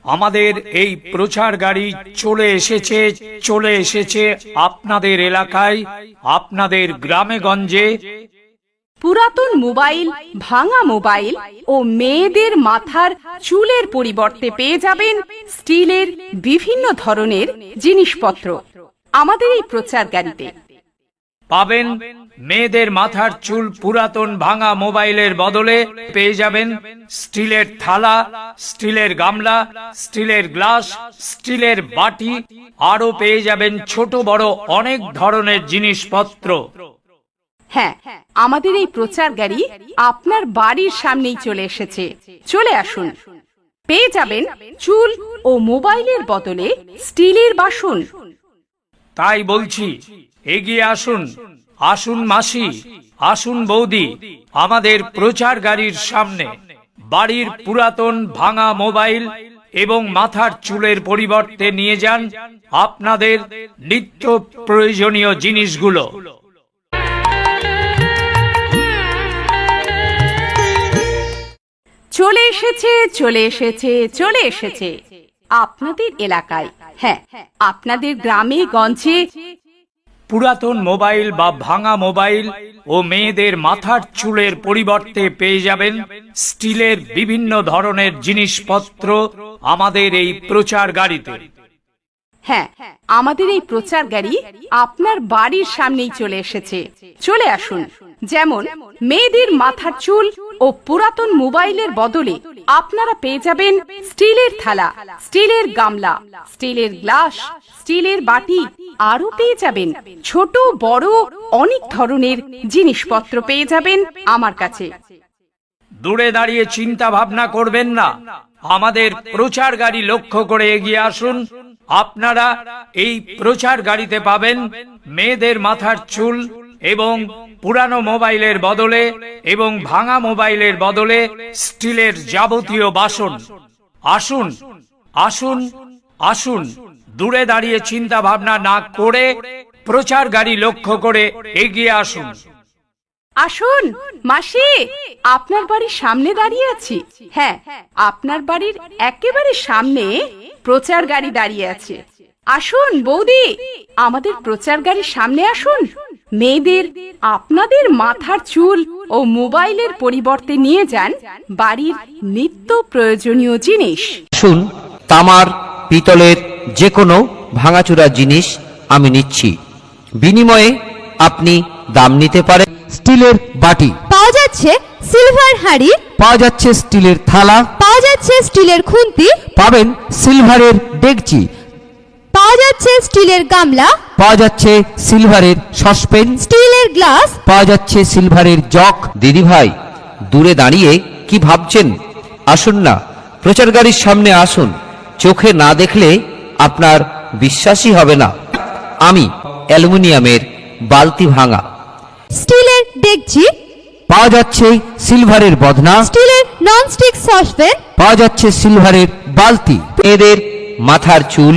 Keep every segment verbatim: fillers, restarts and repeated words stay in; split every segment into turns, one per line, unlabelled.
আমাদের এই প্রচার গাড়ি চলে এসেছে চলে এসেছে আপনাদের এলাকায়, আপনাদের গ্রামে গঞ্জে।
পুরাতন মোবাইল, ভাঙা মোবাইল ও মেয়েদের মাথার চুলের পরিবর্তে পেয়ে যাবেন স্টিলের বিভিন্ন ধরনের জিনিসপত্র আমাদের এই প্রচার গাড়িতে।
পাবেন মেয়েদের মাথার চুল পুরাতন ভাঙা মোবাইলের বদলে পেয়ে যাবেন স্টিলের থালা, স্টিলের গামলা, স্টিলের গ্লাস, স্টিলের বাটি, আরো পেয়ে যাবেন ছোট বড় অনেক ধরনের জিনিসপত্র।
হ্যাঁ, আমাদের এই প্রচার গাড়ি আপনার বাড়ির সামনেই চলে এসেছে। চলে আসুন, পেয়ে যাবেন চুল ও মোবাইলের বদলে স্টিলের বাসন।
তাই বলছি, এগিয়ে আসুন, আসুন মাসি, আসুন বৌদি, আমাদের প্রচার গাড়ির সামনে বাড়ির পুরাতন ভাঙা মোবাইল এবং মাথার চুলের পরিবর্তে নিয়ে যান আপনাদের নিত্য প্রয়োজনীয় জিনিসগুলো।
চলে এসেছে চলে এসেছে চলে এসেছে আপনাদের এলাকায়, হ্যাঁ আপনাদের গ্রামে গঞ্জে
পুরাতন মোবাইল বা ভাঙা মোবাইল ও মেয়েদের মাথার চুলের পরিবর্তে পেয়ে যাবেন স্টিলের বিভিন্ন ধরনের জিনিসপত্র আমাদের এই প্রচার গাড়িতে।
হ্যাঁ, আমাদের এই প্রচার গাড়ি আপনার বাড়ির সামনেই চলে এসেছে। চলে আসুন, যেমন মেয়েদের মাথার চুল ও পুরাতন মোবাইলের বদলে আপনারা পেয়ে যাবেন স্টিলের থালা, স্টিলের গামলা, স্টিলের গ্লাস, স্টিলের বাটি, আরো পেয়ে যাবেন ছোট বড় অনেক ধরনের জিনিসপত্র পেয়ে যাবেন আমার কাছে।
দূরে দাঁড়িয়ে চিন্তা ভাবনা করবেন না, আমাদের প্রচার গাড়ি লক্ষ্য করে এগিয়ে আসুন। আপনারা এই প্রচার গাড়িতে পাবেন মেয়েদের মাথার চুল এবং পুরানো মোবাইলের বদলে এবং ভাঙা মোবাইলের বদলে স্টিলের যাবতীয় বাসন। আসুন আসুন আসুন, দূরে দাঁড়িয়ে চিন্তা ভাবনা না করে প্রচার গাড়ি লক্ষ্য করে এগিয়ে আসুন।
আসুন মাসি, আপনার বাড়ির সামনে দাঁড়িয়ে আছি। হ্যাঁ, আপনার বাড়ির একেবারে সামনে প্রচার গাড়ি দাঁড়িয়ে আছে। আসুন বৌদি, আমাদের প্রচার গাড়ির সামনে আসুন। মেয়েদের আপনাদের মাথার চুল ও মোবাইলের পরিবর্তে নিয়ে যান বাড়ির নিত্য প্রয়োজনীয় জিনিস।
শুন, তামার পিতলের যে কোনো ভাঙাচুরা জিনিস আমি নিচ্ছি, বিনিময়ে আপনি দাম নিতে পারেন। স্টিলের বাটি
পাওয়া যাচ্ছে, সিলভার হাঁড়ি
পাওয়া যাচ্ছে, স্টিলের থালা
পাওয়া যাচ্ছে, স্টিলের খুন্তি
পাবেন, সিলভারের ডেকচি
পাওয়া যাচ্ছে, স্টিলের গামলা
পাওয়া যাচ্ছে, সিলভারের সসপেন
স্টিলের গ্লাস
পাওয়া যাচ্ছে, সিলভারের জগ। দিদি ভাই, দূরে দাঁড়িয়ে কি ভাবছেন? আসুন না, প্রচার গাড়ির সামনে আসুন। চোখে না দেখলে আপনার বিশ্বাসই হবে না। আমি অ্যালুমিনিয়ামের বালতি ভাঙা,
স্টিলের ডেকচি
পাওয়া যাচ্ছে, সিলভারের বদনা
স্টিলের ননস্টিক সসপ্যান
পাওয়া যাচ্ছে, সিলভারের বালতি। এদের মাথার চুল,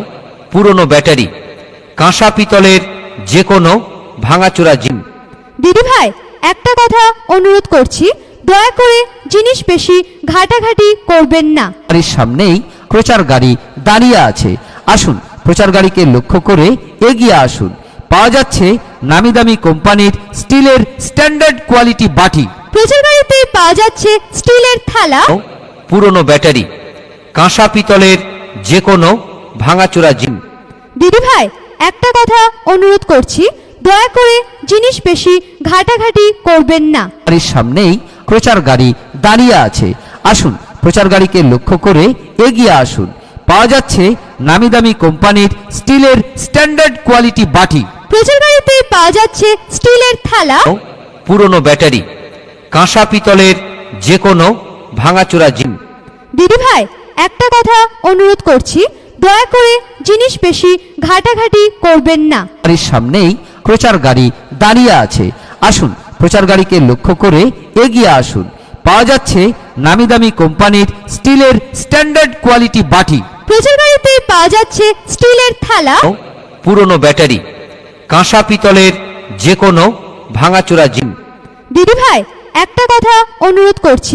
পুরনো ব্যাটারি, কাঁসা পিতলের যে কোনো ভাঙাচোরা জিনিস।
দিদি ভাই, একটা কথা অনুরোধ করছি, দয়া করে জিনিস বেশি ঘাটাঘাটি করবেন না।
বাড়ির সামনেই প্রচার গাড়ি দাঁড়িয়ে আছে। আসুন, প্রচার গাড়িকে লক্ষ্য করে এগিয়ে আসুন। পাওয়া যাচ্ছে নামি দামি কোম্পানির স্টিলের স্ট্যান্ডার্ড কোয়ালিটি বাটি।
প্রচার গাড়িতে পাওয়া যাচ্ছে স্টিলের থালা,
পুরনো ব্যাটারি, কাঁসা পিতলের যে কোনো ভাঙাচোরা জিনিস।
দিদি ভাই, একটা কথা অনুরোধ করছি, দয়া করে জিনিস বেশি ঘাটাঘাটি করবেন না।
বাড়ির সামনেই প্রচার গাড়ি দাঁড়িয়ে আছে। আসুন, প্রচার গাড়িকে লক্ষ্য করে এগিয়ে আসুন। পাওয়া যাচ্ছে নামি দামি কোম্পানির স্টিলের স্ট্যান্ডার্ড কোয়ালিটি বাটি।
প্রচার গাড়িতে পাওয়া যাচ্ছে স্টিলের থালা,
পুরনো ব্যাটারি, কাঁসা পিতলের যে কোনো ভাঙাচোরা জিনিস।
দিদি ভাই, একটা কথা অনুরোধ করছি, দয়া করে জিনিস বেশি ঘাটাঘাটি করবেন না।
বাড়ির সামনেই প্রচার গাড়ি দাঁড়িয়ে আছে। আসুন, প্রচার গাড়িকে লক্ষ্য করে এগিয়ে আসুন। পাওয়া যাচ্ছে নামি দামি কোম্পানির স্টিলের স্ট্যান্ডার্ড কোয়ালিটি বাটি।
প্রচার গাড়িতে পাওয়া যাচ্ছে স্টিলের থালা,
পুরনো ব্যাটারি, কাঁসা পিতলের যে কোনো ভাঙাচোরা জিনিস।
দিদি ভাই, একটা কথা অনুরোধ করছি,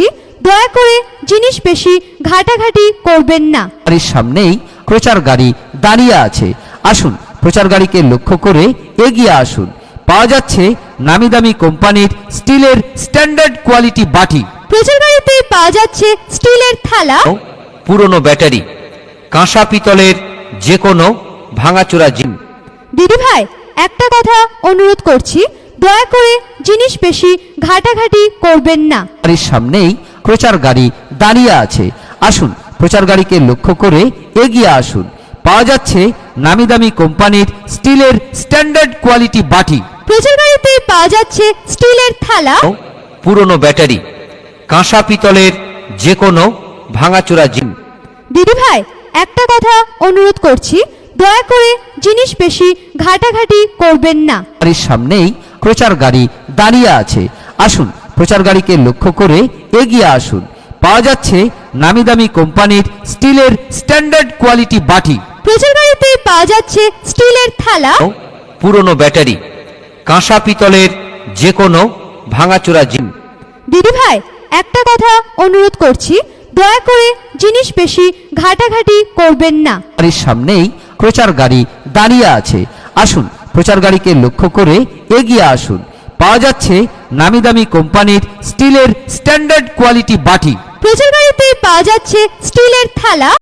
দয়া করে জিনিস বেশি ঘাটাঘাটি করবেন না।
গাড়ির সামনেই প্রচার গাড়ি দাঁড়িয়ে আছে, আসুন প্রচার গাড়িকে লক্ষ্য করে এগিয়ে আসুন। পাওয়া যাচ্ছে নামি দামি কোম্পানির স্টিলের স্ট্যান্ডার্ড কোয়ালিটি বাটি,
প্রচার গাড়িতে পাওয়া যাচ্ছে স্টিলের থালা,
পুরনো ব্যাটারি, কাঁসা পিতলের যে কোনো ভাঙাচোরা জিনিস।
দিদি ভাই একটা কথা অনুরোধ করছি, দয়া করে জিনিস বেশি ঘাটাঘাটি করবেন না।
গাড়ির সামনেই প্রচার গাড়ি দাঁড়িয়ে আছে, আসুন প্রচার গাড়িকে লক্ষ্য করে এগিয়ে আসুন। পাওয়া যাচ্ছে নামি দামি কোম্পানির স্টিলের স্ট্যান্ডার্ড কোয়ালিটি বাটি,
প্রচার গাড়িতে পাওয়া যাচ্ছে স্টিলের থালা,
পুরনো ব্যাটারি, কাঁসা পিতলের যে কোনো ভাঙাচোরা জিনিস।
দিদি ভাই একটা কথা অনুরোধ করছি, দয়া করে জিনিস বেশি ঘাটাঘাটি করবেন না।
গাড়ির সামনেই প্রচার গাড়ি দাঁড়িয়ে আছে, আসুন প্রচার গাড়িকে লক্ষ্য করে এগিয়ে আসুন। পাওয়া যাচ্ছে নামি দামি কোম্পানির স্টিলের স্ট্যান্ডার্ড কোয়ালিটি বাটি,
প্রচার গাড়িতে পাওয়া যাচ্ছে স্টিলের থালা,
পুরনো ব্যাটারি, কাঁসা পিতলের যে কোনো ভাঙাচোরা জিনিস।
দিদি ভাই একটা কথা অনুরোধ করছি, দয়া করে জিনিস বেশি ঘাটাঘাটি করবেন না।
গাড়ির সামনেই প্রচার গাড়ি দাঁড়িয়ে আছে, আসুন প্রচার গাড়িকে লক্ষ্য করে এগিয়ে আসুন। পাওয়া যাচ্ছে নামি দামি কোম্পানির স্টিলের স্ট্যান্ডার্ড কোয়ালিটি বাটি,
প্রচার গাড়িতে পাওয়া যাচ্ছে স্টিলের থালা,